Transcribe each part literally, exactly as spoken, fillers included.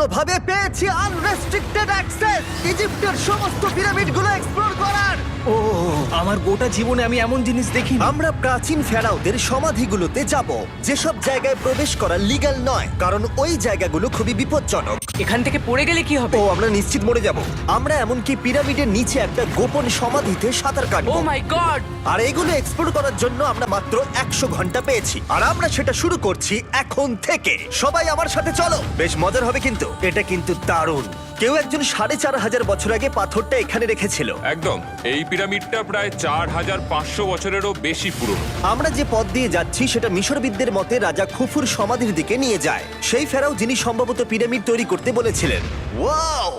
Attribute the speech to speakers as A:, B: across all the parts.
A: ভাবে পেয়েছি unrestricted access ইজিপ্টের সমস্ত পিরামিডগুলো এক্সপ্লোর করার।
B: ও আমার গোটা জীবনে আমি এমন জিনিস দেখিনি।
A: আমরা প্রাচীন ফেরাওদের সমাধিগুলোতে যাব, যেসব জায়গায় প্রবেশ করা লিগ্যাল নয়, কারণ ওই জায়গাগুলো খুবই বিপজ্জনক।
C: এখান থেকে পড়ে গেলে কি হবে?
A: ও আমরা নিশ্চিত মরে যাব। আমরা এমনকি পিরামিডের নিচে একটা গোপন সমাধিতে সাঁতার
C: ও
A: কাটবো।
C: মাই গড!
A: আর এগুলো এক্সপ্লোর করার জন্য আমরা মাত্র একশো ঘন্টা পেয়েছি, আর আমরা সেটা শুরু করছি এখন থেকে। সবাই আমার সাথে চলো, বেশ মজার হবে কিন্তু। এটা কিন্তু দারুণ। কেউ একজন সাড়ে চার হাজার বছর আগে পাথরটা এখানে রেখেছিল।
D: একদম, এই পিরামিডটা প্রায় চার হাজার পাঁচশো বছরেরও বেশি পুরনো।
A: আমরা যে পথ দিয়ে যাচ্ছি সেটা মিশরবিদদের মতে রাজা খুফুর সমাধির দিকে নিয়ে যায়, সেই ফেরাও যিনি সম্ভবত পিরামিড তৈরি করতে বলেছিলেন। ওয়াও!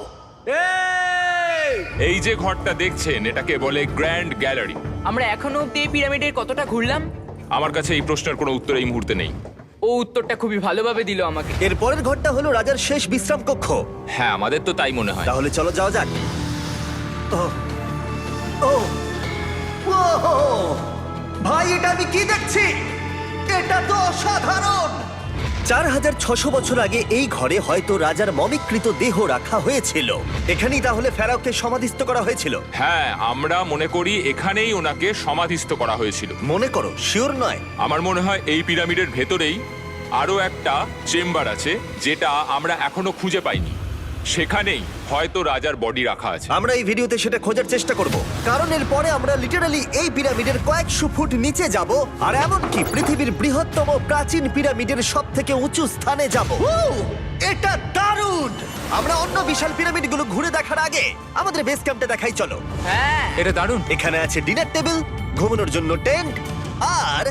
D: এই যে ঘরটা দেখছেন এটাকে বলে গ্র্যান্ড গ্যালারি।
C: আমরা এখনো অব্দি এই পিরামিডের কতটা ঘুরলাম?
D: আমার কাছে এই প্রশ্নের কোনো উত্তর এই মুহূর্তে নেই।
C: ও উত্তরটা খুবই ভালোভাবে দিল আমাকে।
A: এর পরের ঘরটা হলো রাজার শেষ বিশ্রাম কক্ষ।
D: হ্যাঁ, আমাদের তো তাই মনে হয়।
A: তাহলে চলো যাওয়া যাক। ও ও ও ভাই, এটা আমি কি দেখছি? এটা তো অসাধারণ! চার হাজার ছশো বছর আগে এই ঘরে হয়তো রাজার মমিকৃত দেহ রাখা হয়েছিল। এখানেই তাহলে ফেরাওকে সমাধিস্থ করা হয়েছিল।
D: হ্যাঁ, আমরা মনে করি এখানেই ওনাকে সমাধিস্থ করা হয়েছিল।
A: মনে করো, শিওর নয়।
D: আমার মনে হয় এই পিরামিডের ভেতরেই আরো একটা চেম্বার আছে যেটা আমরা এখনো খুঁজে পাইনি। সেখানেই হয়তো রাজার বডি রাখা আছে।
A: আমরা এই ভিডিওতে সেটা খোঁজার চেষ্টা করব, কারণ এর পরে আমরা লিটারালি এই পিরামিডের কয়েকশো ফুট নিচে যাব, আর এমনকি পৃথিবীর বৃহত্তম প্রাচীন পিরামিডের সব থেকে উঁচু স্থানে যাব। এটা দারুণ! আমরা অন্য বিশাল পিরামিডগুলো ঘুরে দেখার আগে আমাদের বেস ক্যাম্পটা দেখাই চলো।
C: হ্যাঁ,
D: এটা দারুণ।
A: এখানে আছে ডিনার টেবিল, ঘুমানোর জন্য টেন্ট, আর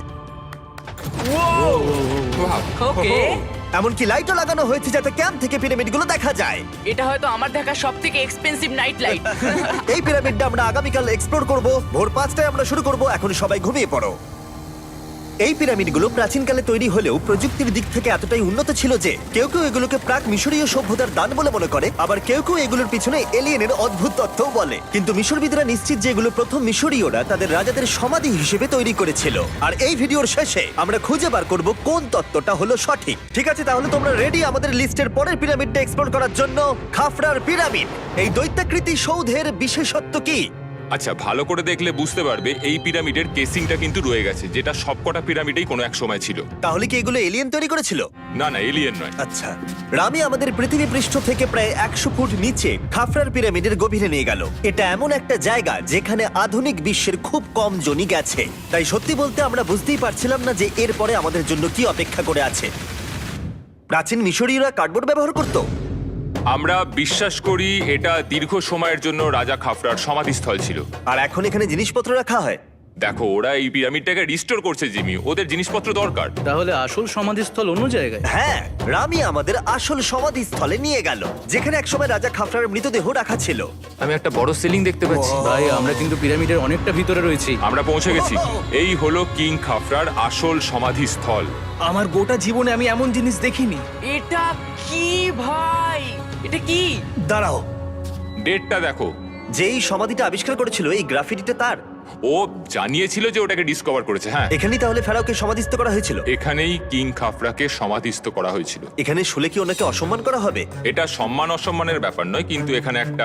C: ওকে।
A: এমনকি লাইটও লাগানো হয়েছে যাতে ক্যাম্প থেকে পিরামিডগুলো দেখা যায়।
C: এটা হয়তো আমার দেখা সবথেকে এক্সপেন্সিভ নাইট লাইট।
A: এই পিরামিডটা আমরা আগামীকাল এক্সপ্লোর করব। ভোর পাঁচটায় আমরা শুরু করব। এখন সবাই ঘুমিয়ে পড়ো। এই পিরামিডগুলো প্রাচীনকালে তৈরি হলেও প্রযুক্তির দিক থেকে এতটাই উন্নত ছিল যে কেউ কেউ এগুলোকে প্রাক মিশরীয় সভ্যতার দান বলে মনে করে, আবার কেউ কেউ এগুলোর পিছনে এলিয়েনের অদ্ভুত তথ্যও বলে। কিন্তু মিশরবিদরা নিশ্চিত যে এগুলো প্রথম মিশরীয়রা তাদের রাজাদের সমাধি হিসেবে তৈরি করেছিল। আর এই ভিডিওর শেষে আমরা খুঁজে বার করব কোন তত্ত্বটা হলো সঠিক। ঠিক আছে, তাহলে তোমরা রেডি আমাদের লিস্টের পরের পিরামিডটা এক্সপ্লোর করার জন্য? খাফরার পিরামিড। এই দৈত্যাকৃতি সৌধের বিশেষত্ব কি?
D: আচ্ছা, ভালো করে দেখলে বুঝতে পারবে এই পিরামিডের কেসিংটা কিন্তু রয়ে গেছে, যেটা সবকটা পিরামিডেই কোনো এক সময় ছিল।
A: তাহলে কি এগুলো এলিয়েন তৈরি করেছিল?
D: না না, এলিয়েন নয়।
A: আচ্ছা, রামি আমাদের পৃথিবী পৃষ্ঠ থেকে প্রায় একশো ফুট নিচে খাফরার পিরামিডের গভীরে নিয়ে গেল। এটা এমন একটা জায়গা যেখানে আধুনিক বিশ্বের খুব কম জনই গেছে, তাই সত্যি বলতে আমরা বুঝতেই পারছিলাম না যে এরপরে আমাদের জন্য কি অপেক্ষা করে আছে। প্রাচীন মিশরীয়রা কার্ডবোর্ড ব্যবহার করত।
D: আমরা বিশ্বাস করি এটা দীর্ঘ সময়ের জন্য রাজা খাফরার সমাধিস্থল ছিল।
A: আর এখন এখানে জিনিসপত্র রাখা হয়।
D: দেখো, ওরা এই পিরামিডটাকে রিস্টোর করছে জিমি, ওদের জিনিসপত্র দরকার।
B: তাহলে আসল সমাধিস্থল অন্য জায়গায়?
A: হ্যাঁ, রামি আমাদের আসল সমাধিস্থলে নিয়ে গেল, যেখানে একসময় রাজা খাফরার মৃতদেহ রাখা ছিল।
D: আমি একটা বড় সিলিং দেখতে পাচ্ছি।
B: ভাই, আমরা কিন্তু পিরামিডের অনেকটা ভিতরে রয়েছি।
D: আমরা পৌঁছে গেছি। এই হলো কিং খাফরার আসল সমাধিস্থল।
B: আমার গোটা জীবনে আমি এমন জিনিস দেখিনি।
C: এটা কি ভাই? এটা কি?
A: দাঁড়াও,
D: ডেটটা দেখো।
A: যেই সমাধিটা আবিষ্কার করেছিল এই গ্রাফিটিটা তার।
D: ও জানিয়েছিল যে ওটাকে ডিসকভার করেছে। হ্যাঁ,
A: এখানেই তাহলে ফেরাওকে সমাধিস্থ করা হয়েছিল।
D: এখানেই কিং খাফরাকে সমাধিস্থ করা হয়েছিল।
A: এখানে শুলে কি ওনাকে অসম্মান করা হবে?
D: এটা সম্মান অসম্মানের ব্যাপার নয়, কিন্তু এখানে একটা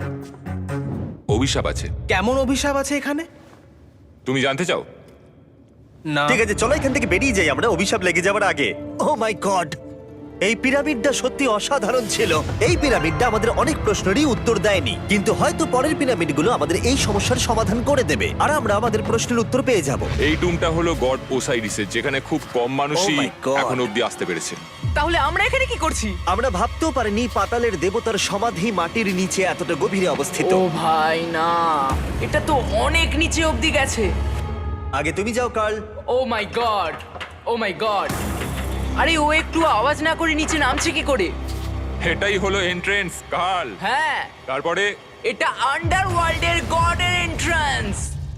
D: অভিশাপ আছে।
B: কেমন অভিশাপ আছে এখানে?
D: তুমি জানতে চাও?
B: না।
A: ঠিক আছে, চলো এখান থেকে বেরিয়ে যাই আমরা অভিশাপ লেগে যাওয়ার আগে। ও মাই গড, এই পিরামিডটা সত্যি অসাধারণ ছিল। এই পিরামিডটা আমাদের অনেক প্রশ্নেরই উত্তর দেয়নি, কিন্তু হয়তো পরের পিরামিডগুলো আমাদের এই সমস্যার সমাধান করে দেবে, আর আমরা আমাদের প্রশ্নের উত্তর পেয়ে যাব।
D: এই টুমটা হলো গড ওসাইরিসের, যেখানে খুব কম মানুষই
A: Oh my God!
D: এখন অব্দি আসতে পেরেছে।
C: তাহলে আমরা এখানে কি করছি?
A: আমরা ভাবতেও পারিনি পাতালের দেবতার সমাধি মাটির নিচে এতটা গভীরে অবস্থিত।
C: ও ভাই না, এটা তো অনেক নিচে অবধি গেছে।
A: আগে তুমি যাও Carl.
C: Oh my god, oh my god! আরে ও একটু আওয়াজ না করে নিচে নামছে কি করে?
D: এটাই হলো এন্ট্রেন্স, কার্ল।
C: হ্যাঁ,
D: তারপরে
C: এটা আন্ডারওয়ার্ল্ডের গডের এন্ট্রান্স।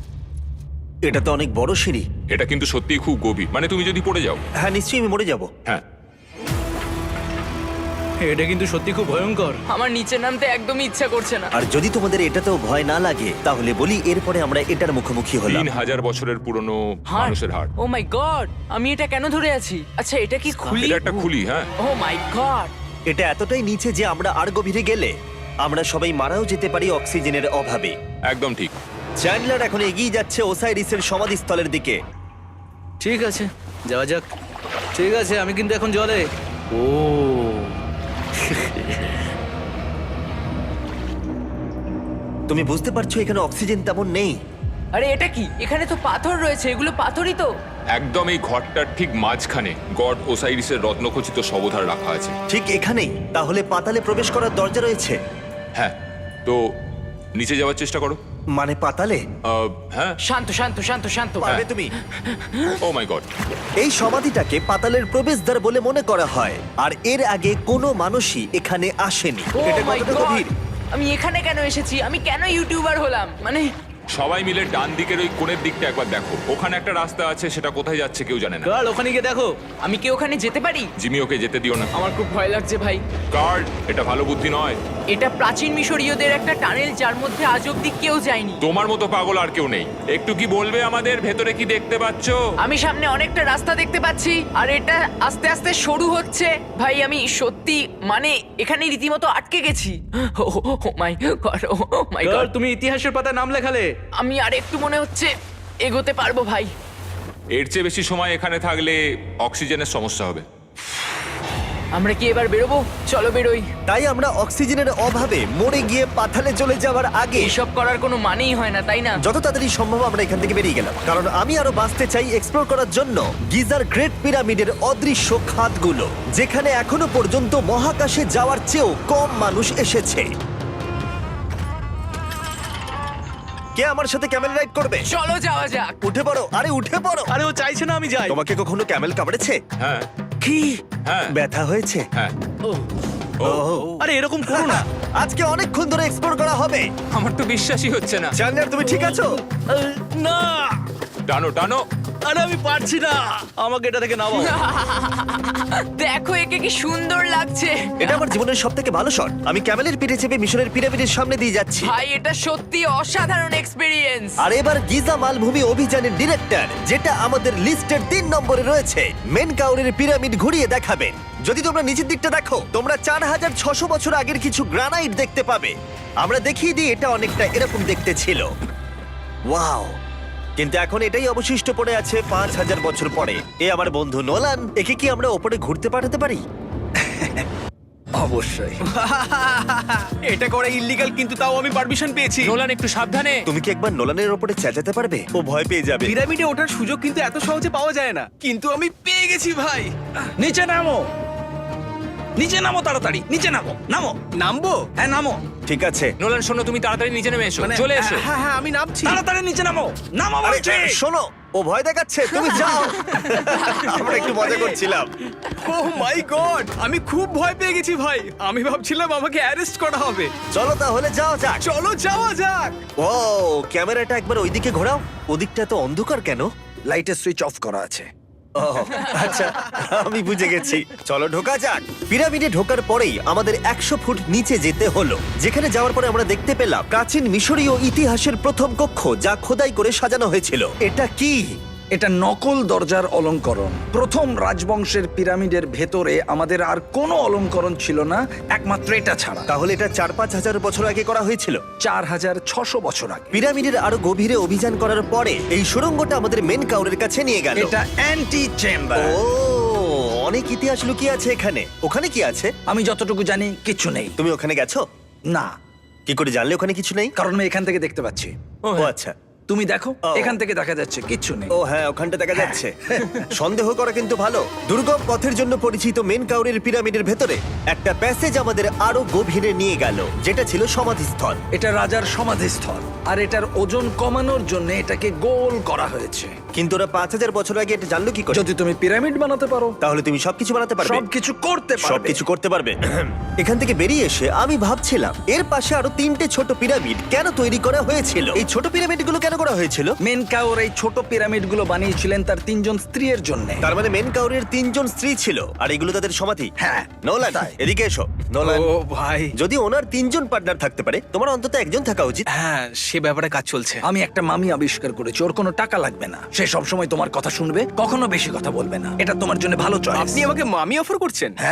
A: এটা তো অনেক বড় সিঁড়ি।
D: এটা কিন্তু সত্যিই খুব গভীর, মানে তুমি যদি পড়ে যাও।
A: হ্যাঁ, নিশ্চয়ই আমি মরে যাব।
D: হ্যাঁ,
B: এটা কিন্তু সত্যি খুব ভয়ঙ্কর।
C: আমার নিচে নামতে একদমই ইচ্ছা করছে না।
A: আর যদি তোমাদের এটাতেও ভয় না লাগে তাহলে বলি এরপরে আমরা এটার মুখোমুখি হলাম।
D: তিন হাজার বছরের পুরনো
C: হার্ট,
D: মানুষের হাড়।
C: ও মাই গড, আমি এটা কেন ধরে আছি? আচ্ছা, এটা কি খুলি?
D: এটা একটা খুলি। হ্যাঁ,
C: ও মাই গড,
A: এটা এতটাই নিচে যে আমরা আর গভীরে গেলে আমরা সবাই মারাও যেতে পারি অক্সিজেনের অভাবে।
D: একদম ঠিক।
A: চ্যান্ডলার এখন এগিয়ে যাচ্ছে ওসাইরিসের সমাধিস্থলের দিকে।
B: ঠিক আছে, যাওয়া যাক। ঠিক আছে, আমি কিন্তু এখন জলে। ও
A: তুমি বুঝতে পারছো এখানে অক্সিজেন তেমন নেই।
C: আরে এটা কি? এখানে তো পাথর রয়েছে, এগুলো পাথরই তো।
D: একদম এই ঘরটার ঠিক মাঝখানে গড ওসাইরিসের রত্নখচিত শবধার রাখা আছে।
A: ঠিক এখানেই তাহলে পাতালে প্রবেশ করার দরজা রয়েছে?
D: হ্যাঁ, তো নিচে যাওয়ার চেষ্টা করো।
A: মানে পাতালে?
D: আহ, হ্যাঁ।
C: শান্ত শান্ত শান্ত শান্ত।
A: পারবে তুমি?
D: Oh my god.
A: এই সমাধিটাকে পাতালের প্রবেশদ্বার বলে মনে করা হয়, আর এর আগে কোনো মানুষই এখানে আসেনি।
C: Oh
A: এটা
C: my
A: কতটা
C: God!
A: গভীর?
C: আমি এখানে কেন এসেছি? আমি কেন ইউটিউবার হলাম? মানে
D: সবাই মিলে ডান দিকের ওই কোণের দিকটা একবার দেখো। ওখানে একটা রাস্তা আছে, সেটা কোথায় যাচ্ছে কেউ জানে না।
B: কাল ওখানে গিয়ে দেখো।
C: আমি কি ওখানে যেতে পারি?
D: জিমি, ওকে যেতে দিও না।
C: আমার খুব ভয় লাগছে ভাই।
D: গার্ড, এটা ভালো বুদ্ধি নয়।
C: এটা প্রাচীন মিশরীয়দের একটা টানেল যার মধ্যে আজ অব্দি কেউ যায়নি।
D: তোমার মতো পাগল আর কেউ নেই। একটু কি বলবে আমাদের ভেতরে কি দেখতে পাচ্ছো?
C: আমি সামনে অনেকটা রাস্তা দেখতে পাচ্ছি, আর এটা আস্তে আস্তে সরু হচ্ছে। ভাই আমি সত্যি মানে এখানে রীতিমতো আটকে গেছি। ও মাই গড, ও মাই
B: কাল
C: গড।
B: তুমি ইতিহাসের পাতায় নাম লেখালে।
C: আমি আর একটু মনে হচ্ছে এগোতে পারবো ভাই।
D: এর চেয়ে বেশি সময় এখানে থাকলে অক্সিজেনের সমস্যা হবে।
C: আমরা কি এবার বেরোবো? চলো বেরোই।
A: তাই আমরা অক্সিজেনের অভাবে মরে গিয়ে পাতালে চলে যাওয়ার আগে
C: এইসব করার কোনো মানেই হয় না, তাই না?
A: যত তাড়াতাড়ি সম্ভব আমরা এখান থেকে বেরিয়ে গেলাম, কারণ আমি আরো বাঁচতে চাই এক্সপ্লোর করার জন্য গিজার গ্রেট পিরামিডের অদৃশ্য খাতগুলো, যেখানে এখনো পর্যন্ত মহাকাশে যাওয়ার চেয়েও কম মানুষ এসেছে। কে আমার সাথে ক্যামেল রাইড করবে?
C: চলো যাওয়া যাক।
A: উঠে পড়ো, আরে উঠে পড়ো।
B: আরে ও চাইছে না আমি যাই।
A: তোমাকে কখনো ক্যামেল কামড়েছে?
D: হ্যাঁ,
A: কি
D: হ্যাঁ,
A: ব্যথা হয়েছে?
D: হ্যাঁ।
B: ও,
D: ও,
B: আরে এরকম করো না।
A: আজকে অনেকক্ষণ ধরে এক্সপ্লোর করা হবে।
D: আমার তো বিশ্বাসই হচ্ছে না।
A: জানলার তুমি ঠিক আছো?
B: আহ, না,
D: টানো টানো।
B: আরে আমি পারছি না, আমাকে এটা থেকে নামাও।
C: দেখো একে কি সুন্দর লাগছে।
A: এটা আমার জীবনের সব থেকে ভালো শট। আমি ক্যামেলের পিঠে চেপে মিশরের পিরামিডের সামনে দিয়ে যাচ্ছি।
C: ভাই এটা সত্যি অসাধারণ এক্সপিরিয়েন্স।
A: আর এবার গিজা মালভূমি অভিযানের ডিরেক্টর, যেটা আমাদের লিস্টের তিন নম্বরে রয়েছে, মেনকাউরের পিরামিড ঘুরিয়ে দেখাবেন। যদি তোমরা নিচের দিকটা দেখো, তোমরা চার হাজার ছশো বছর আগের কিছু গ্রানাইট দেখতে পাবে। আমরা দেখিয়ে দিই, এটা অনেকটা এরকম দেখতে ছিল। ওয়াও! কিন্তু এখন এটাই অবশিষ্ট পড়ে আছে পাঁচ হাজার বছর পরে। এ আমার বন্ধু নোলান, একে কি আমরা ওপরে ঘুরতে পাঠাতে পারি?
E: অবশ্যই।
B: এটা করা ইল্লিগাল, কিন্তু তাও আমি পারমিশন পেয়েছি।
C: নোলান একটু সাবধানে।
A: তুমি কি একবার নোলানের ওপরে চেঁচাতে পারবে? ও ভয় পেয়ে যাবে।
B: পিরামিডে ওঠার সুযোগ কিন্তু এত সহজে পাওয়া যায় না, কিন্তু আমি পেয়ে গেছি ভাই।
E: নিচে নামো, নিচে নামো, তাড়াতাড়ি নিচে নামো, নামো,
B: নামবো?
E: হ্যাঁ নামো,
A: ঠিক আছে।
C: নোলান শোনো, তুমি তাড়াতাড়ি নিচে নেমে এসো।
B: মানে,
C: চলে এসো।
B: হ্যাঁ হ্যাঁ আমি নামছি।
E: তাড়াতাড়ি নিচে নামো, নামো
A: আরে
E: বলছি।
A: শোনো, ও ভয় দেখাচ্ছে, তুমি যাও। আমরা একটু মজা করছিলাম।
B: ও মাই গড, আমি খুব ভয় পেয়ে গেছি ভাই। আমি ভাবছিলাম আমাকে অ্যারেস্ট করা হবে।
A: চলো তাহলে যাও যাক।
B: চলো যাওয়া যাক।
A: ও ক্যামেরাটা একবার ওইদিকে ঘোরাও। ওদিকটা তো অন্ধকার কেন?
E: লাইটের সুইচ অফ করা আছে।
A: ও আচ্ছা, আমি বুঝে গেছি। চলো ঢোকা যাক। পিরামিডে ঢোকার পরেই আমাদের একশো ফুট নিচে যেতে হলো, যেখানে যাওয়ার পরে আমরা দেখতে পেলাম প্রাচীন মিশরীয় ইতিহাসের প্রথম কক্ষ, যা খোদাই করে সাজানো হয়েছিল। এটা কি?
E: এটা নকল দরজার অলঙ্করণ। প্রথম রাজবংশের পিরামিডের ভেতরে আমাদের আর কোনো অলঙ্করণ ছিল না, একমাত্র এটা ছাড়া।
A: তাহলে এটা চার পাঁচ হাজার বছর আগে করা হয়েছিল।
E: চার হাজার ছশো বছর আগে।
A: পিরামিডের আরো গভীরে অভিযান করার পরে এই সুড়ঙ্গটা আমাদের মেন কাউরের কাছে নিয়ে গেল।
E: এটা অ্যান্টি চেম্বার।
A: ও অনেক ইতিহাস লুকিয়ে আছে এখানে। ওখানে কি আছে?
E: আমি যতটুকু জানি কিছু নেই।
A: তুমি ওখানে গেছো?
E: না,
A: কি করে জানলে ওখানে কিছু নেই?
E: কারণ আমি এখান থেকে দেখতে পাচ্ছি।
A: ও আচ্ছা।
E: তুমি দেখো,
A: ও।
E: এখান থেকে দেখা যাচ্ছে কিচ্ছু নেই।
A: ও হ্যাঁ, ওখানটা দেখা যাচ্ছে। সন্দেহ করা কিন্তু ভালো। দুর্গম পথের জন্য পরিচিত মেন কাউরের পিরামিডের ভেতরে একটা প্যাসেজ আমাদের আরো গভীরে নিয়ে গেল, যেটা ছিল সমাধিস্থল।
E: এটা রাজার সমাধিস্থল, আর এটার ওজন কমানোর জন্য এটাকে গোল করা হয়েছে।
A: কিন্তু ওরা পাঁচ হাজার বছর আগে এটা জানলো কি করে?
E: যদি তুমি পিরামিড বানাতে পারো,
A: তাহলে তুমি সবকিছু বানাতে পারবে।
E: সবকিছু করতে পারবে।
A: সবকিছু করতে পারবে। এখান থেকে বেরিয়ে এসে আমি ভাবছিলাম, এর পাশে আরো তিনটে ছোট পিরামিড কেন তৈরি করা হয়েছিল? এই ছোট পিরামিডগুলো কেন করা হয়েছিল?
E: মেনকাওর এই ছোট পিরামিডগুলো বানিয়েছিলেন তার তিনজন স্ত্রীর জন্য।
A: তার মানে মেন কাউরের তিনজন স্ত্রী ছিল, আর এগুলো তাদের সমাধি।
E: হ্যাঁ,
A: নোলান,
E: তাই।
A: এদিকে এসো। নোলান,
B: ও ভাই,
A: যদি ওনার তিনজন পার্টনার থাকতে পারে, তোমার অন্তত একজন থাকা উচিত।
B: হ্যাঁ সে ব্যাপারে কাজ চলছে।
E: আমি একটা মামি আবিষ্কার করেছি, ওর কোনো টাকা লাগবে না। সে সব সময় তোমার কথা শুনবে, কখনো বেশি কথা বলবে না। এটা তোমার জন্য ভালো চয়েস।
B: আপনি আমাকে মামি অফার করছেন?
E: হ্যাঁ,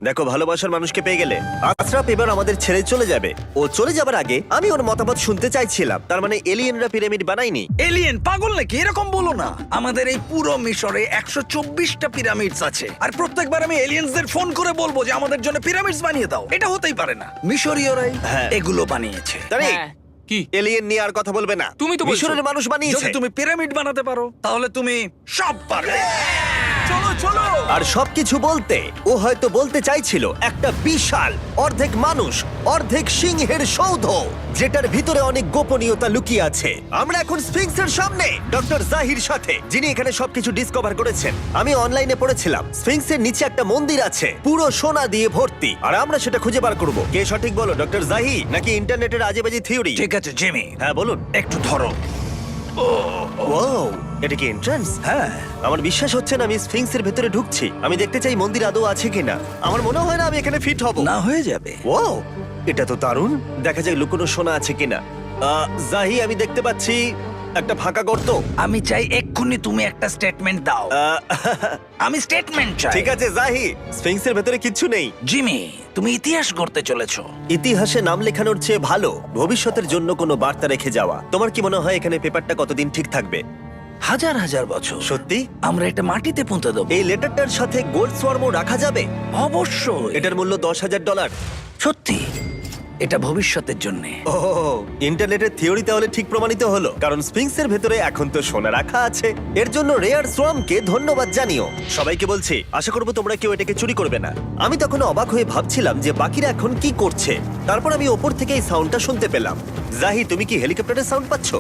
A: দেখো, ভালোবাসার মানুষকে পেয়ে গেলে। আশরাফ এবার আমাদের ছেড়ে চলে যাবে। ও চলে যাবার আগে আমি ওর মতামত শুনতে চাইছিলাম। তার মানে এলিয়েনরা পিরামিড বানায়নি?
E: এলিয়েন পাগল নাকি? এরকম বলো না। আমাদের এই পুরো মিশরে একশো চব্বিশটা পিরামিডস আছে, আর প্রত্যেকবার আমি এলিয়েন্সদের ফোন করে বলবো যে আমাদের জন্য পিরামিডস বানিয়ে দাও। এটা হতেই পারে না। মিশরীয়রাই
A: হ্যাঁ।
E: এগুলো বানিয়েছে।
A: তারে
C: হ্যাঁ।
D: কি
A: এলিয়েন নিয়ে আর কথা বলবে না।
D: তুমি তো বলছো।
A: মিশরের মানুষ বানিয়েছে।
E: যদি তুমি পিরামিড বানাতে পারো তাহলে তুমি সব পারবে।
B: চলো চলো।
A: আর সবকিছু বলতে ও হয়তো বলতে চাইছিল একটা বিশাল অর্ধেক মানুষ অর্ধেক সিংহের সৌধ, যেটার ভিতরে অনেক গোপনীয়তা লুকিয়ে আছে। আমরা এখন স্ফিংসের সামনে ডক্টর জাহির সাথে, যিনি এখানে সবকিছু ডিসকভার করেছেন। আমি অনলাইনে পড়েছিলাম স্ফিংসের নিচে একটা মন্দির আছে পুরো সোনা দিয়ে ভর্তি, আর আমরা সেটা খুঁজে বার করব। কে সঠিক বলো, ডক্টর জাহি নাকি ইন্টারনেটের আজেবাজে থিওরি?
E: ঠিক আছে জিমি,
A: হ্যাঁ বলুন।
E: একটু ধরো।
A: ও, এটা কি এন্ট্রান্স?
E: হ্যাঁ,
A: আমার বিশ্বাস হচ্ছে না আমি স্ফিংসের ভেতরে ঢুকছি। আমি দেখতে চাই মন্দির আদৌ আছে কিনা। আমার মনে হয় না আমি এখানে ফিট হব।
E: না হয়ে যাবে।
A: ও, এটা তো দারুণ। দেখা যায় লুকোনো সোনা আছে কিনা। আহ, জাহি, আমি দেখতে পাচ্ছি একটা ফাঁকা গর্ত।
E: আমি চাই এক্ষুনি তুমি একটা স্টেটমেন্ট দাও।
A: আহ,
E: আমি স্টেটমেন্ট চাই।
A: ঠিক আছে জাহি, স্ফিংসের ভেতরে কিচ্ছু নেই।
E: জিমি, তুমি ইতিহাস গড়তে চলেছো।
A: ইতিহাসে নাম লেখানোর চেয়ে ভালো ভবিষ্যতের জন্য কোনো বার্তা রেখে যাওয়া। তোমার কি মনে হয় এখানে পেপারটা কতদিন ঠিক থাকবে?
E: হাজার হাজার বছর।
A: সত্যি?
E: আমরা এটা মাটিতে পুঁতে দেবো।
A: এই লেটারটার সাথে গোল্ড সোয়ার্মও রাখা যাবে?
E: অবশ্যই।
A: এটার মূল্য দশ হাজার ডলার।
E: সত্যি, এটা ভবিষ্যতের জন্য।
A: ও, ইন্টারনেটের থিওরি তাহলে ঠিক প্রমাণিত হলো, কারণ স্ফিংসের ভেতরে এখন তো সোনা রাখা আছে। এর জন্য রেয়ার সোয়ামকে ধন্যবাদ জানিও। সবাইকে বলছি, আশা করবো তোমরা কেউ এটাকে চুরি করবে না। আমি তখন অবাক হয়ে ভাবছিলাম যে বাকিরা এখন কি করছে। তারপর আমি ওপর থেকে এই সাউন্ডটা শুনতে পেলাম। জাহি, তুমি কি হেলিকপ্টারের সাউন্ড পাচ্ছ?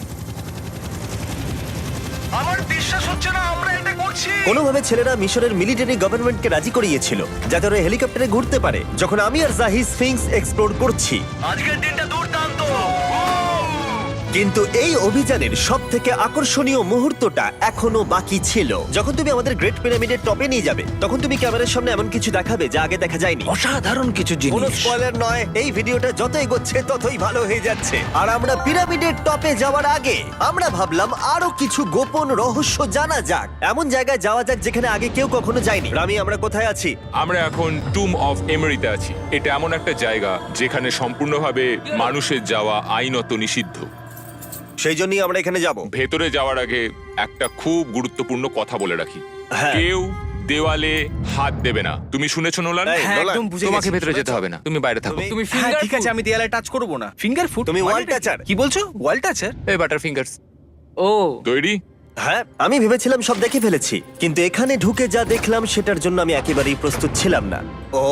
E: আমার বিশ্বাস হচ্ছে না আমরা এটা করছি।
A: কোনোভাবে ছেলেরা মিশরের মিলিটারি গভর্নমেন্টকে রাজি করিয়েছিল যাতে ওরা হেলিকপ্টারে ঘুরতে পারে যখন আমি আর জাহি স্ফিংস এক্সপ্লোর করছি।
E: আজকের দিনটা দুর্দান্ত।
A: কিন্তু এই অভিযানের সব থেকে আকর্ষণীয় মুহূর্তটা এখনো বাকি ছিল। যখন তুমি আমাদের গ্রেট পিরামিডের টপে নিয়ে যাবে তখন তুমি ক্যামেরার সামনে এমন কিছু দেখাবে যা আগে দেখা যায়নি।
E: অসাধারণ কিছু
A: কোনো
E: জিনিস।
A: স্পয়লার নয়, এই ভিডিওটা যত এগোচ্ছে ততই ভালো হয়ে যাচ্ছে। আর আমরা পিরামিডের টপে যাওয়ার আগে আমরা ভাবলাম আরো কিছু গোপন রহস্য জানা যাক। এমন জায়গায় যাওয়া যাক যেখানে আগে কেউ কখনো যায়নি। রামি, আমরা কোথায় আছি?
D: আমরা এখন টুম অফ এমেরিতে আছি। এটা এমন একটা জায়গা যেখানে সম্পূর্ণভাবে মানুষের যাওয়া আইনত নিষিদ্ধ।
A: সেই জন্যই আমরা এখানে যাব।
D: ভেতরে যাওয়ার আগে একটা খুব গুরুত্বপূর্ণ কথা বলে রাখি,
A: হ্যাঁ।
D: কেউ দেওয়ালে হাত দেবে না। তুমি শুনেছো নোলান?
A: এই,
B: হ্যাঁ,
A: নোলান,
B: একদম বুঝে
D: তোমাকে
B: গেছি।
D: ভেতরে যেতে হবে না, তুমি বাইরে থাকো।
A: তুমি-
C: তুমি
B: হ্যাঁ,
C: ফিঙ্গার
B: ঠিক আছে, আমি দেয়ালে টাচ করব না। Finger food?
A: তুমি wall toucher?
B: কি বলছো? ওয়াল টাচার?
D: এই বাটার ফিঙ্গারস
C: ও
D: তৈরি?
A: হ্যাঁ, আমি ভেবেছিলাম সব দেখে ফেলেছি, কিন্তু এখানে ঢুকে যা দেখলাম সেটার জন্য আমি একেবারেই প্রস্তুত ছিলাম না। ও,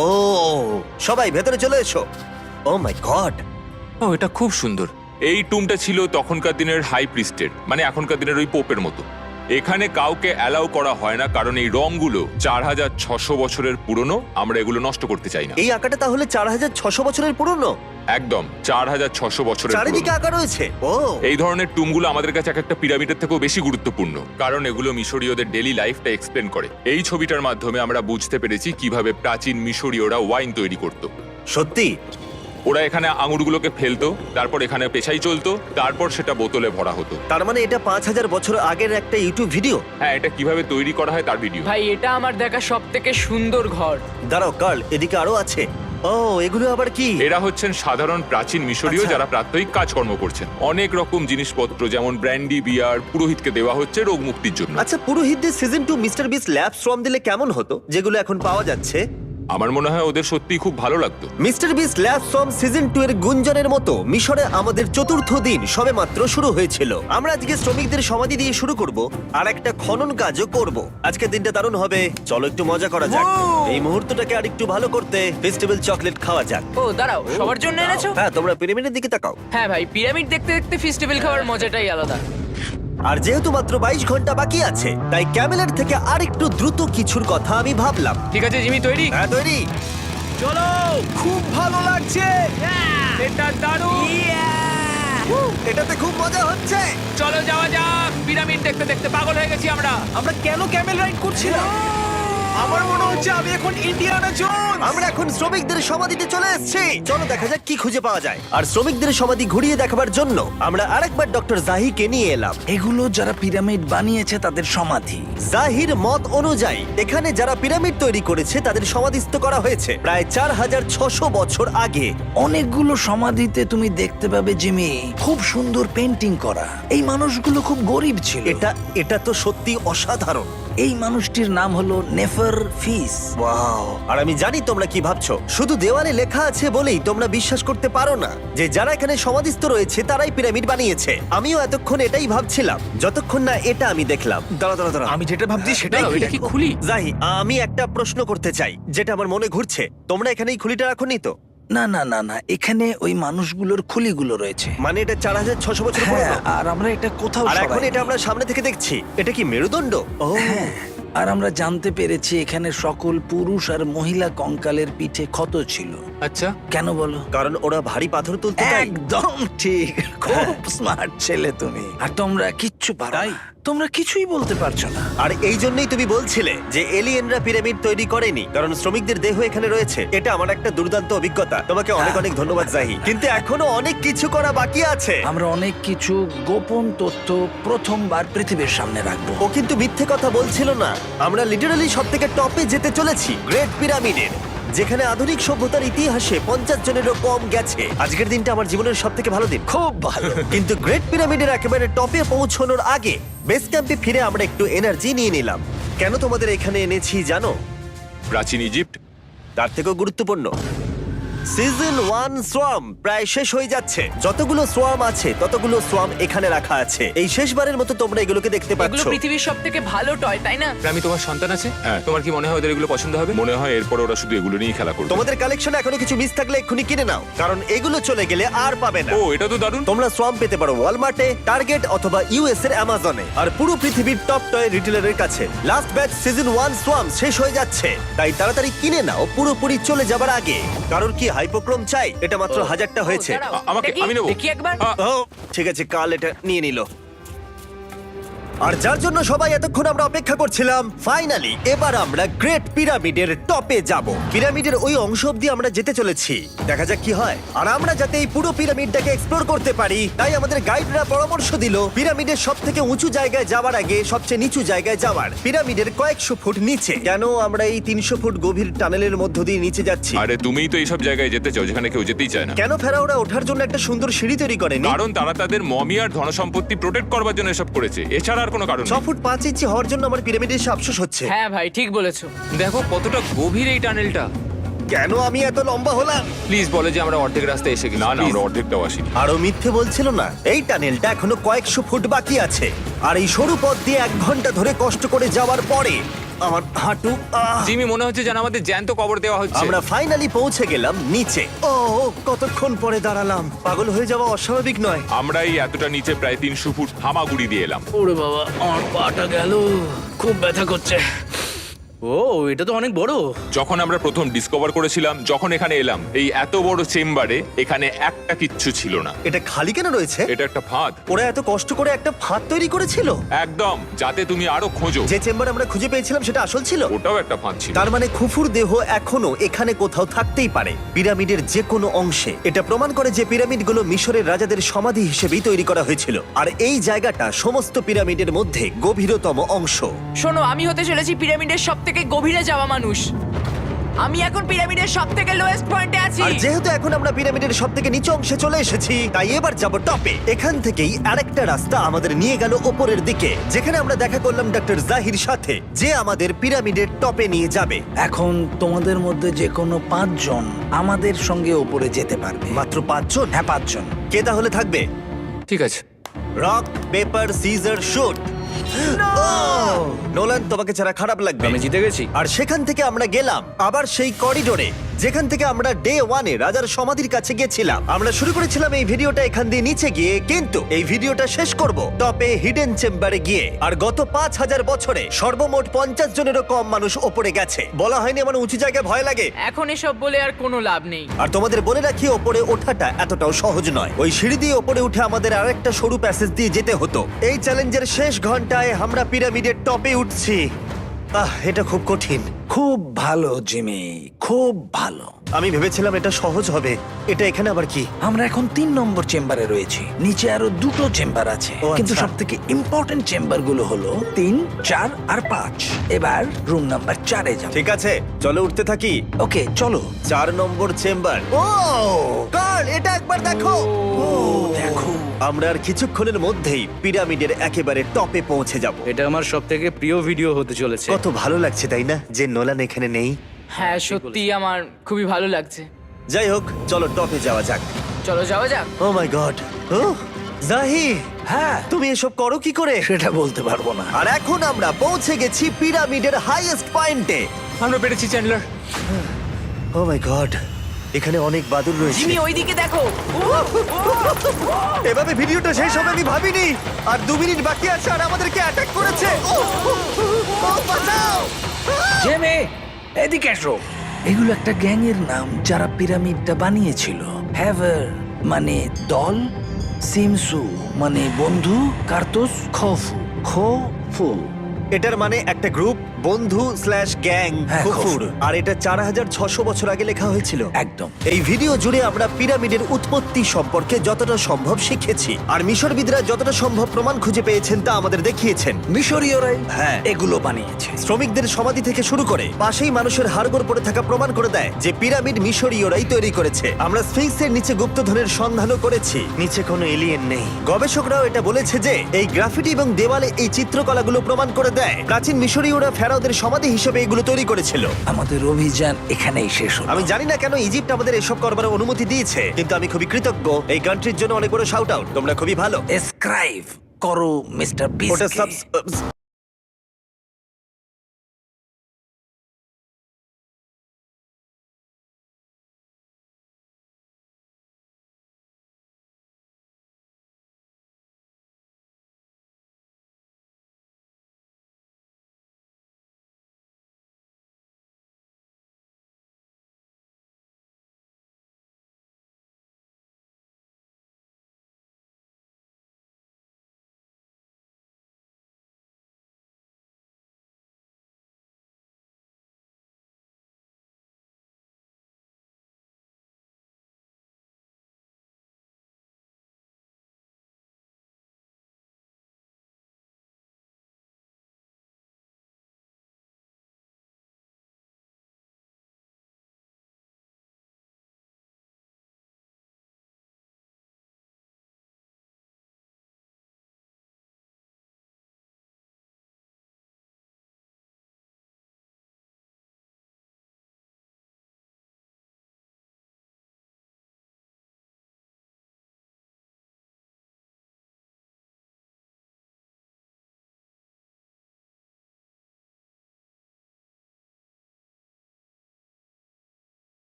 A: সবাই ভেতরে চলে এসো। ও মাই গড,
D: ও, এটা খুব সুন্দর। এই টুমটা ছিল তখনকার দিনের হাই প্রিস্টের, মানে এখনকার দিনের ওই পোপের মতো। এখানে কাউকে অ্যালাউ করা হয় না, কারণ এই রংগুলো চার হাজার ছশো বছরের পুরনো। আমরা এগুলো নষ্ট করতে চাই না।
A: এই আঁকাটা তাহলে চার হাজার ছশো বছরের পুরনো?
D: একদম চার হাজার ছশো বছরের
A: চারিদিকে
D: পুরনো।
A: আঁকা রয়েছে। ও,
D: এই ধরনের টুমগুলো আমাদের কাছে এক একটা পিরামিডের থেকেও বেশি গুরুত্বপূর্ণ, কারণ এগুলো মিশরীয়দের ডেইলি লাইফটা এক্সপ্লেন করে। এই ছবিটার মাধ্যমে আমরা বুঝতে পেরেছি কিভাবে প্রাচীন মিশরীয়রা ওয়াইন তৈরি করত।
A: সত্যি?
D: ওরা এখানে আঙুরগুলোকে ফেলতো, তারপর এখানে পেশাই চলতো, তারপর সেটা বোতলে ভরা হতো।
A: তার মানে এটা পাঁচ হাজার বছর আগের একটা ইউটিউব ভিডিও?
D: হ্যাঁ, এটা কিভাবে তৈরি করা হয় তার ভিডিও।
C: ভাই, এটা আমার দেখা সব থেকে সুন্দর ঘর।
A: দাঁড়াও কার্ল, এদিকে আরো আছে। ও, এগুলো আবার কি?
D: এরা হচ্ছেন সাধারণ প্রাচীন মিশরীয়
A: আচ্ছা।
D: যারা প্রাত্যহিক কাজকর্ম করছেন। অনেক রকম জিনিসপত্র যেমন ব্র্যান্ডি, বিয়ার পুরোহিতকে দেওয়া হচ্ছে রোগ মুক্তির জন্য।
A: আচ্ছা, পুরোহিতদের season two mister Beast lab শ্রম দিলে কেমন হতো, যেগুলো এখন পাওয়া যাচ্ছে?
D: আমার মনে হয় ওদের সত্যিই খুব ভালো লাগতো।
A: মিস্টার বিস ল্যাব শ্রম সিজন টু এর গুঞ্জনের মতো মিশরে আমাদের চতুর্থ দিন সবেমাত্র শুরু হয়েছিল। আমরা আজকে শ্রমিকদের সমাধি দিয়ে শুরু করব আর একটা খনন কাজও করব। আজকের দিনটা দারুণ হবে, চলো একটু মজা করা যাক। এই মুহূর্তটাকে আর একটু ভালো করতে ফেস্টিভ্যাল চকলেট খাওয়া যাক।
C: ও দাঁড়াও, সবার জন্য এনেছো?
A: হ্যাঁ, তোমরা পিরামিডের দিকে তাকাও।
C: হ্যাঁ ভাই, পিরামিড দেখতে দেখতে ফেস্টিভ্যাল খাওয়ার মজাটাই আলাদা।
A: আর যেহেতু মাত্র বাইশ ঘন্টা বাকি আছে তাই ক্যামেলের থেকে আর একটু দ্রুত কিছুর কথা আমি ভাবলাম।
C: ঠিক আছে জিমি, তৈরি?
A: হ্যাঁ, তৈরি।
B: চলো, খুব ভালো লাগছে।
C: এটা দারুণ।
A: এটাতে খুব মজা হচ্ছে।
C: চলো যাওয়া যাক। পিরামিড দেখতে দেখতে পাগল হয়ে গেছি আমরা।
B: আমরা কেন ক্যামেল রাইড করছিলাম? আমার মনে হচ্ছে আমি এখন ইন্ডিয়ানা জোনস।
A: আমরা এখন শ্রমিকদের সমাধিতে চলে এসেছি। চলো দেখা যাক কি খুঁজে পাওয়া যায়। আর শ্রমিকদের সমাধি ঘুরিয়ে দেখাবার জন্য আমরা আরেকবার ডক্টর জাহিকে নিয়ে এলাম।
E: এগুলো যারা পিরামিড বানিয়েছে তাদের সমাধি।
A: জাহির মত অনুযায়ী এখানে যারা পিরামিড তৈরি করেছে তাদের সমাধিস্থ করা হয়েছে প্রায় চার হাজার ছশো বছর আগে।
E: অনেকগুলো সমাধিতে তুমি দেখতে পাবে জিমি খুব সুন্দর পেন্টিং করা। এই মানুষগুলো খুব গরিব ছিল।
A: এটা এটা তো সত্যি অসাধারণ।
E: এই মানুষটির নাম হলো নেফার ফিস।
A: ওয়াও! আর আমি জানি তোমরা কি ভাবছো। শুধু দেওয়ালে লেখা আছে বলেই তোমরা বিশ্বাস করতে পারো না যে যারা এখানে সমাধিস্থ রয়েছে তারাই পিরামিড বানিয়েছে। আমিও এতক্ষণ এটাই ভাবছিলাম যতক্ষণ না এটা আমি দেখলাম। দাঁড়া দাঁড়া দাঁড়া
B: আমি যেটা ভাবছি সেটাই
C: দাঁড়াও, এটা কি খুলি?
A: জাহি, আমি একটা প্রশ্ন করতে চাই যেটা আমার মনে ঘুরছে। তোমরা এখানে এই খুলিটা রাখোনি তো?
E: না না না না, এখানে ওই মানুষগুলোর খুলিগুলো রয়েছে।
A: মানে এটা চার হাজার ছশো বছর
E: হ্যাঁ,
A: পুরনো।
E: আর আমরা এটা কোথাও
A: আর এখন
E: সরাইনি।
A: এটা আমরা সামনে থেকে দেখছি। এটা কি মেরুদণ্ড? ও
E: হ্যাঁ, আর আমরা জানতে পেরেছি এখানে সকল পুরুষ আর মহিলা কঙ্কালের পিঠে ক্ষত ছিল।
D: আচ্ছা,
E: কেন বলো?
A: কারণ ওরা ভারী পাথর তুলতে তাই।
E: একদম ঠিক, খুব স্মার্ট ছেলে তুমি। আর তোমরা কিচ্ছু পারো না। তোমরা কিছুই বলতে পারছো না।
A: আর এই জন্যই তুমি বলছিলে যে এলিয়েনরা পিরামিড তৈরি করেনি কারণ শ্রমিকদের দেহ এখানে রয়েছে। এটা আমার একটা দুর্দান্ত অভিজ্ঞতা। তোমাকে অনেক অনেক ধন্যবাদ জাহি। কিন্তু এখনো অনেক কিছু করা বাকি আছে।
E: আমরা অনেক কিছু গোপন তথ্য প্রথমবার পৃথিবীর সামনে রাখবো।
A: ও কিন্তু মিথ্যে কথা বলছিল না। আমরা লিটারালি সব থেকে টপে যেতে চলেছি, গ্রেট পিরামিডের, যেখানে আধুনিক সভ্যতার ইতিহাসে পঞ্চাশ জনেরও কম গেছে। আজকের দিনটা আমার জীবনের সব থেকে ভালো দিন।
E: খুব ভালো।
A: কিন্তু গ্রেট পিরামিডের একেবারে টপে পৌঁছানোর আগে বেস ক্যাম্পে ফিরে আমরা একটু এনার্জি নিয়ে নিলাম। কেন তোমাদের এখানে এনেছি জানো?
D: প্রাচীন ইজিপ্ট।
A: তার থেকেও গুরুত্বপূর্ণ, সিজন ওয়ান সোয়াম প্রায় শেষ হয়ে যাচ্ছে। যতগুলো সোয়াম আছে ততগুলো সোয়াম এখানে রাখা আছে। এই শেষবারের মতো তোমরা এগুলোকে দেখতে
C: এগুলো
A: পাচ্ছ।
C: পৃথিবীর সব থেকে ভালো টয়, তাই না?
D: আমি তোমার সন্তান আছে, হ্যাঁ। তোমার কি মনে হয় ওদের এগুলো পছন্দ হবে? মনে হয় এরপর ওরা শুধু এগুলো নিয়েই খেলা করবে।
A: তোমাদের কালেকশনে এখনো কিছু মিস থাকলে এক্ষুনি কিনে নাও, কারণ এগুলো চলে গেলে আর পাবে না।
D: ও, এটা তো দারুণ।
A: তোমরা সোয়াম পেতে পারো ওয়ালমার্টে, টার্গেট অথবা ইউএস এর অ্যামাজনে, আর পুরো পৃথিবীর টপ টয় রিটেলারের কাছে। Last batch season one swarm শেষ হয়ে যাচ্ছে, তাই তাড়াতাড়ি কিনে নাও পুরোপুরি চলে যাবার আগে। কারণ কি হাইপোক্রোম চাই? এটা মাত্র হাজারটা হয়েছে।
C: ও, দাঁড়াও,
D: আ- আমাকে-
C: এটা কি?
D: আমি নেবো।
C: দেখি একবার।
D: আ,
A: ও ঠিক আছে, কাল এটা নিয়ে নিল। আর যার জন্য সবাই এতক্ষণ আমরা অপেক্ষা করছিলাম, ফাইনালি এবার আমরা গ্রেট পিরামিডের টপে যাব। পিরামিডের ওই অংশ অব্দি আমরা যেতে চলেছি, দেখা যাক কি হয়। আর আমরা যাতে এই পুরো পিরামিডটাকে এক্সপ্লোর করতে পারি, তাই আমাদের গাইডরা পরামর্শ দিল পিরামিডের সব থেকে উঁচু জায়গায় যাওয়ার আগে সবচেয়ে নিচু জায়গায় যাওয়ার, পিরামিডের কয়েকশো ফুট নিচে। কেন আমরা এই তিনশো ফুট গভীর টানেলের মধ্য দিয়ে নিচে যাচ্ছি?
D: আরে তুমিই তো এইসব জায়গায় যেতে চাও যেখানে কেউ যেতেই চায় না।
A: কেন ফেরাওরা ওঠার জন্য একটা সুন্দর সিঁড়ি তৈরি করেনি?
D: কারণ তারা তাদের মমি আর ধনসম্পত্তি প্রোটেক্ট করবার জন্য এসব করেছে, এছাড়া আর কোনো কারণ
A: ছ
D: নেই।
A: ফুট পাঁচ ইঞ্চি হওয়ার জন্য আমার পিরামিডে এসে আফসোস হচ্ছে।
C: হ্যাঁ ভাই, ঠিক বলেছো।
D: দেখো কতটা গভীর এই টানেলটা।
A: কেন আমি এত লম্বা হলাম?
D: প্লিজ বলে যে আমরা অর্ধেক রাস্তায় এসে গেছি। না না, আমরা অর্ধেকটাও আসিনি।
A: আরো মিথ্যে বলছিল না। এই টানেলটা এখনো কয়েকশো ফুট বাকি আছে, আর এই সরু পথ দিয়ে এক ঘন্টা ধরে কষ্ট করে যাওয়ার পরে আমার হাঁটু আহ!
D: জিমি, মনে হচ্ছে যেন আমাদের জ্যান্ত কবর দেওয়া হচ্ছে।
A: আমরা ফাইনালি পৌঁছে গেলাম নিচে। ও কতক্ষণ পরে দাঁড়ালাম, পাগল হয়ে যাওয়া অস্বাভাবিক নয়।
D: আমরা এই এতটা নিচে প্রায় তিনশো ফুট হামাগুড়ি দিয়ে এলাম।
F: ওরে বাবা, আমার পাটা গেল, খুব ব্যথা করছে। ও, এটা তো অনেক বড়।
D: যখন আমরা প্রথম ডিসকভার করেছিলাম, যখন এখানে এলাম, এই এত বড় চেম্বারে এখানে একটা কিচ্ছু ছিল না।
A: এটা খালি কেন রয়েছে?
D: এটা একটা ফাঁদ।
A: ওরা এত কষ্ট করে একটা ফাঁদ তৈরি করেছিল
D: একদম, যাতে তুমি আরো খোঁজো।
A: যে চেম্বার আমরা খুঁজে পেয়েছিলাম সেটা আসল ছিল।
D: ওটাও একটা ফাঁদ ছিল।
A: তার মানে খুফুর দেহ এখনো এখানে কোথাও থাকতেই পারে, পিরামিডের যে কোনো অংশে। এটা প্রমাণ করে যে পিরামিডগুলো মিশরের রাজাদের সমাধি হিসেবেই তৈরি করা হয়েছিল, আর এই জায়গাটা সমস্ত পিরামিডের মধ্যে গভীরতম অংশ।
C: শোনো, আমি হতে চলেছি পিরামিডের সব থেকে গভীরে যাওয়া মানুষ। আমি এখন পিরামিডের সব থেকে লোয়েস্ট পয়েন্টে আছি।
A: আর যেহেতু এখন আমরা পিরামিডের সব থেকে নিচু অংশে চলে এসেছি, তাই এবার যাব টপে। এখান থেকেই আরেকটা রাস্তা আমাদের নিয়ে গেল ওপরের দিকে, যেখানে আমরা দেখা করলাম ডক্টর জাহির সাথে, যে আমাদের পিরামিডের টপে নিয়ে যাবে।
E: এখন তোমাদের মধ্যে যে কোনো পাঁচজন আমাদের সঙ্গে ওপরে যেতে পারবে।
A: মাত্র পাঁচজন?
E: হ্যাঁ, পাঁচজন।
A: কে তাহলে থাকবে?
D: ঠিক আছে।
A: Rock paper scissor shoot. Nolan, তোমাকে ছাড়া খারাপ লাগবে।
F: আমি জিতে গেছি।
A: আর সেখান থেকে আমরা গেলাম আবার সেই করিডোরে যেখান থেকে আমরা ডে ওয়ানে রাজার সমাধির কাছে গেছিলাম। আমরা শুরু করেছিলাম এই ভিডিওটা এখান দিয়ে নিচে গিয়ে, কিন্তু এই ভিডিওটা শেষ করব টপে হিডেন চেম্বারে গিয়ে। আর গত পাঁচ হাজার বছরে সর্বমোট পঞ্চাশ জনেরও কম মানুষ ওপরে গেছে। বলা হয়নি আমার উঁচু জায়গায় ভয় লাগে?
C: এখন এসব বলে আর কোনো লাভ নেই।
A: আর তোমাদের বলে রাখি, ওপরে ওঠাটা এতটাও সহজ নয়। ওই সিঁড়ি দিয়ে ওপরে উঠে আমাদের আরেকটা সরু প্যাসেজ দিয়ে যেতে হতো। এই চ্যালেঞ্জের শেষ ঘন্টায় আমরা পিরামিডের টপে উঠছি। আহ, এটা খুব কঠিন।
E: খুব ভালো জিমি, খুব ভালো।
A: আমি ভেবেছিলাম এটা সহজ হবে। এটা এখানে আবার কি?
E: আমরা এখন তিন নম্বর চেম্বারে রয়েছি। নিচে আরো দুটো চেম্বার আছে,
A: ও,
E: কিন্তু
A: আচ্ছা।
E: সব থেকে ইম্পর্টেন্ট চেম্বার গুলো হলো তিন, চার আর পাঁচ। এবার রুম নাম্বার চারে যাব।
A: ঠিক আছে, চলো উঠতে থাকি।
E: ওকে চলো।
A: চার নম্বর চেম্বার। ও কার্ল, এটা একবার দেখো।
E: ও দেখো,
A: আমরা আর কিছুক্ষণের মধ্যেই পিরামিডের একেবারে টপে পৌঁছে যাব।
F: এটা আমার সব থেকে প্রিয় ভিডিও হতে চলেছে।
A: কত ভালো লাগছে তাই না, যে নোলান এখানে নেই।
C: হ্যাঁ সত্যি আমার খুবই ভালো লাগছে।
A: যাই হোক, চলো টপে যাওয়া যাক।
C: চলো যাওয়া যাক।
A: ও মাই গড, ও জাহি,
E: হ্যাঁ
A: তুমি এসব করো কি করে?
E: সেটা বলতে পারবো না।
A: আর এখন আমরা পৌঁছে গেছি পিরামিডের হাইয়েস্ট পয়েন্টে।
D: আমরা পেরেছি চ্যান্ডলার।
A: ও মাই গড, এখানে অনেক বাদুড় রয়েছে।
C: জিমি ওইদিকে দেখো।
A: এভাবে ভিডিওটা শেষ হবে আমি ভাবিনি। আর দু মিনিট বাকি আছে আর আমাদেরকে অ্যাটাক করেছে। ও, ও, ও, বাঁচাও!
E: জেমে এদিকে এসো। এগুলো একটা গ্যাং এর নাম যারা পিরামিডটা বানিয়েছিল। হ্যাভার মানে দল, সিমসু মানে বন্ধু, কার্তুস খফু খফু।
A: এটার মানে একটা গ্রুপ, বন্ধু স্ল্যাশ গ্যাং,
E: হ্যাঁ,
A: কুকুর।
E: খফুর।
A: আর এটা চার হাজার ছশো বছর আগে লেখা হয়েছিল।
E: একদম।
A: এই ভিডিও জুড়ে আমরা পিরামিডের উৎপত্তি সম্পর্কে যতটা সম্ভব শিখেছি, আর মিশরবিদরা যতটা সম্ভব প্রমাণ খুঁজে পেয়েছেন তা আমাদের দেখিয়েছেন।
E: মিশরীয়রাই
A: হ্যাঁ।
E: এগুলো বানিয়েছে।
A: শ্রমিকদের সমাধি থেকে শুরু করে পাশেই মানুষের হাড়গোড় পড়ে থাকা প্রমাণ করে দেয় যে পিরামিড মিশরীয়রাই তৈরি করেছে। আমরা স্ফিংসের নিচে গুপ্তধনের সন্ধানও করেছি, নিচে কোনো এলিয়েন নেই। গবেষকরাও এটা বলেছে যে এই গ্রাফিটি এবং দেওয়ালে এই চিত্রকলাগুলো প্রমাণ করে দেয় প্রাচীন মিশরীয়রা ফেরাওদের সমাধি হিসেবে এগুলো তৈরি করেছিল।
E: আমাদের অভিযান এখানেই শেষ হলো।
A: আমি জানি না কেন ইজিপ্ট আমাদের এসব করবার অনুমতি দিয়েছে, কিন্তু আমি খুবই কৃতজ্ঞ। এই কান্ট্রির জন্য অনেক বড় শাউট আউট, তোমরা খুবই ভালো।
E: এসক্রাইব করো মিস্টার
A: ওটা
E: বিস্ট।
A: সাবস